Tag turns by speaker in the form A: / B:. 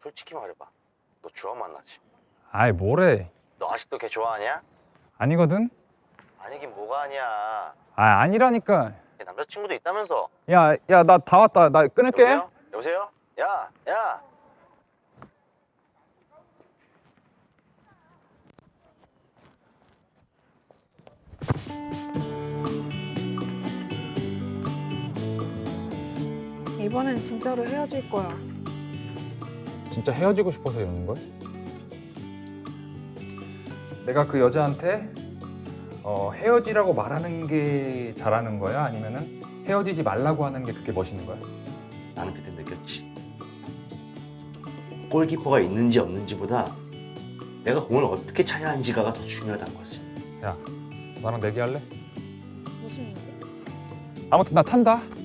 A: 솔직히 말해봐. 너 주원 만나지?
B: 아이 뭐래.
A: 너 아직도 걔 좋아하냐?
B: 아니거든.
A: 아니긴 뭐가 아니야.
B: 아 아니라니까.
A: 걔 남자친구도 있다면서.
B: 야 나 다 왔다. 나 끊을게.
A: 여보세요? 여보세요? 야, 야.
C: 이번엔 진짜로 헤어질 거야.
B: 진짜 헤어지고 싶어서 이러는 거야? 내가 그 여자한테 헤어지라고 말하는 게 잘하는 거야? 아니면은 헤어지지 말라고 하는 게 그렇게 멋있는 거야?
A: 나는 그때 느꼈지. 골키퍼가 있는지 없는지보다 내가 공을 어떻게 차야 하는지가 더 중요하다는 거지.
B: 야, 나랑 내기할래?
C: 무슨 일이야?
B: 아무튼 나 탄다.